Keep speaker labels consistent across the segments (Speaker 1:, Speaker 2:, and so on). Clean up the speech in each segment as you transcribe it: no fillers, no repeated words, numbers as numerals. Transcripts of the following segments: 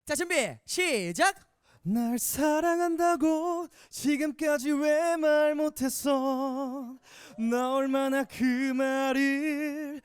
Speaker 1: 자 준비 시작.
Speaker 2: 날 사랑한다고 지금까지 왜 말 못했어. 나 얼마나 그 말을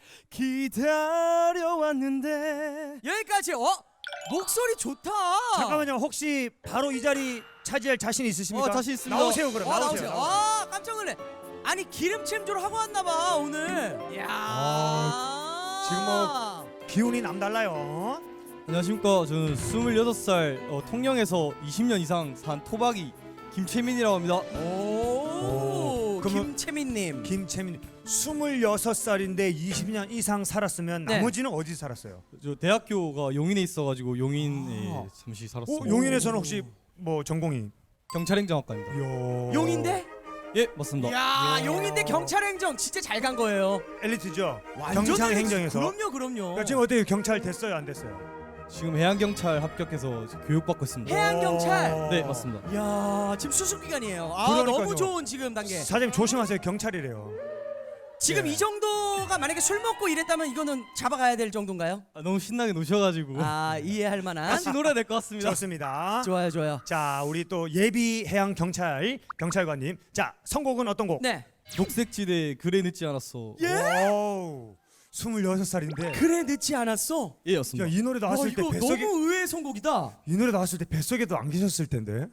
Speaker 2: 기다려왔는데.
Speaker 1: 여기까지. 목소리 좋다.
Speaker 2: 잠깐만요. 혹시 바로 이 자리 차지할 자신 있으십니까?
Speaker 3: 자신 있습니다.
Speaker 2: 나오세요 그럼. 나오세요.
Speaker 1: 깜짝 놀래. 아니 기름침조를 하고 왔나봐 오늘. 이야.
Speaker 2: 지금 기운이 남달라요.
Speaker 3: 안녕하십니까. 저는 26살 통영에서 20년 이상 산 토박이 김채민이라고 합니다.
Speaker 1: 오,
Speaker 2: 그러면
Speaker 1: 김채민님.
Speaker 2: 김채민 26살인데 20년 이상 살았으면
Speaker 1: 네.
Speaker 2: 나머지는 어디 살았어요?
Speaker 3: 저 대학교가 용인에 있어가지고 용인에 잠시 살았습니다.
Speaker 2: 용인에서는 혹시 뭐 전공이?
Speaker 3: 경찰행정학과입니다.
Speaker 1: 용인대?
Speaker 3: 예, 맞습니다.
Speaker 1: 야, 용인대 경찰행정 진짜 잘 간 거예요.
Speaker 2: 엘리트죠.
Speaker 1: 완전
Speaker 2: 경찰행정에서.
Speaker 1: 그럼요.
Speaker 2: 그러니까 지금 어때요? 경찰 됐어요? 안 됐어요?
Speaker 3: 지금 해양경찰 합격해서 교육받고 있습니다.
Speaker 1: 해양경찰.
Speaker 3: 네, 맞습니다.
Speaker 1: 야, 지금 수습 기간이에요.
Speaker 2: 그러니까요.
Speaker 1: 너무 좋은 지금 단계.
Speaker 2: 사장님 조심하세요. 경찰이래요.
Speaker 1: 지금
Speaker 2: 네.
Speaker 1: 이 정도가 만약에 술 먹고 이랬다면 이거는 잡아가야 될 정도인가요?
Speaker 3: 너무 신나게 노셔가지고
Speaker 1: 이해할 만한.
Speaker 3: 같이 놀아야 될 것 같습니다.
Speaker 2: 좋습니다.
Speaker 1: 좋아요.
Speaker 2: 자, 우리 또 예비 해양 경찰관님. 자, 선곡은 어떤 곡?
Speaker 1: 네.
Speaker 3: 녹색지대 그래 늦지 않았어.
Speaker 1: 예?
Speaker 2: 오, 26살인데.
Speaker 1: 그래 늦지 않았어.
Speaker 3: 예,
Speaker 2: 야,
Speaker 3: 였습니다.
Speaker 2: 이 노래 나왔을 때
Speaker 1: 이거
Speaker 2: 뱃속에
Speaker 1: 너무 의외의 선곡이다.
Speaker 2: 이 노래 나왔을 때 뱃속에도 안 계셨을 텐데.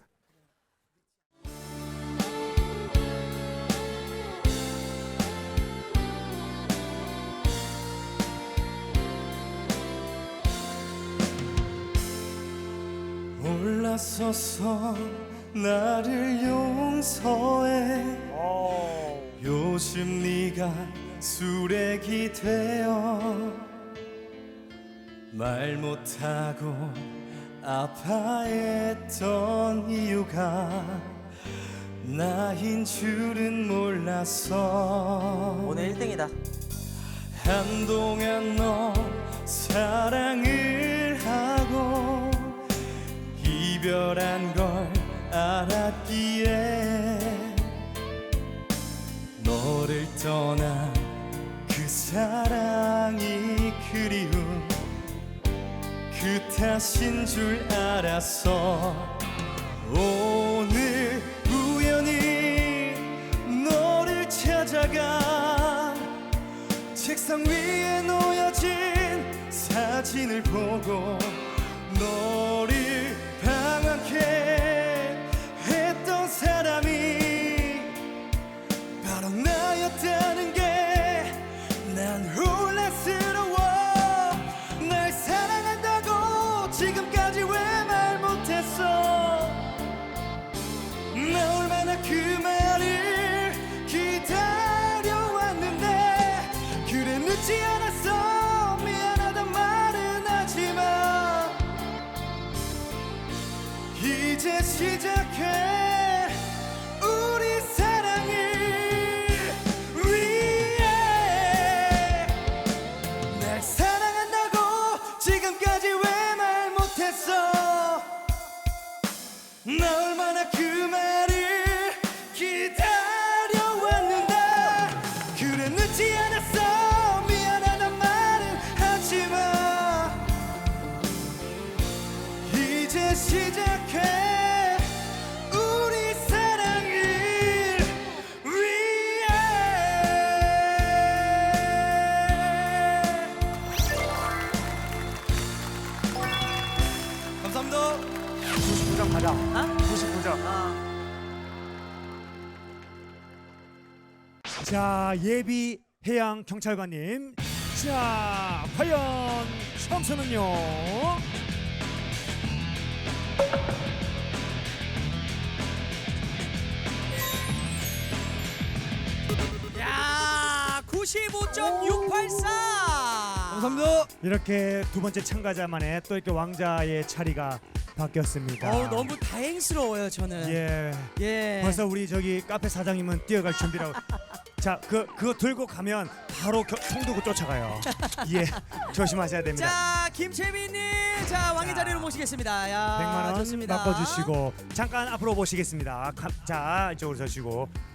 Speaker 3: 올라서서 나를 용서해. 요즘 네가 수레기 되어 말 못하고 아파했던 이유가 나인 줄은 몰랐어.
Speaker 1: 오늘 1등이다.
Speaker 3: 한동안 너 사랑을 하고 이별한 걸 알았기에 너를 떠난 그 사랑이 그리운 그 탓인 줄 알았어. 오늘 우연히 너를 찾아가 책상 위에 놓여진 사진을 보고 너를 방황케 했던 사람이 바로 나였다는 게 난 혼란스러워. 날 사랑한다고 지금까지 왜 말 못했어. 나 얼마나 그 말을 기다려왔는데. 그래 늦지 않았어. 미안하단 말은 하지마. 이제 시작해 우리 사랑을 위해. 날 사랑한다고 지금까지 왜 말 못했어. 나 얼마나 그 말을 기다려왔는데. 그래 늦지 않았어. 미안하단 말은 하지마. 이제 시작해 우리 사랑을 위해. 감사합니다.
Speaker 2: 99점 가자. 99점. 자, 예비 해양 경찰관님. 자, 과연 점수는요?
Speaker 1: 야, 95.684.
Speaker 3: 감사합니다.
Speaker 2: 이렇게 두 번째 참가자만에 또 이렇게 왕자의 자리가 바뀌었습니다.
Speaker 1: 너무 다행스러워요 저는.
Speaker 2: 예. 벌써 우리 저기 카페 사장님은 뛰어갈 준비라고. 자, 그거 들고 가면 바로 총 들고 쫓아가요. 예, 조심하셔야 됩니다.
Speaker 1: 자, 김채민님, 자 왕의 자리로 모시겠습니다. 야,
Speaker 2: 100만 원
Speaker 1: 좋습니다.
Speaker 2: 바꿔주시고 잠깐 앞으로 보시겠습니다. 자, 이쪽으로 서시고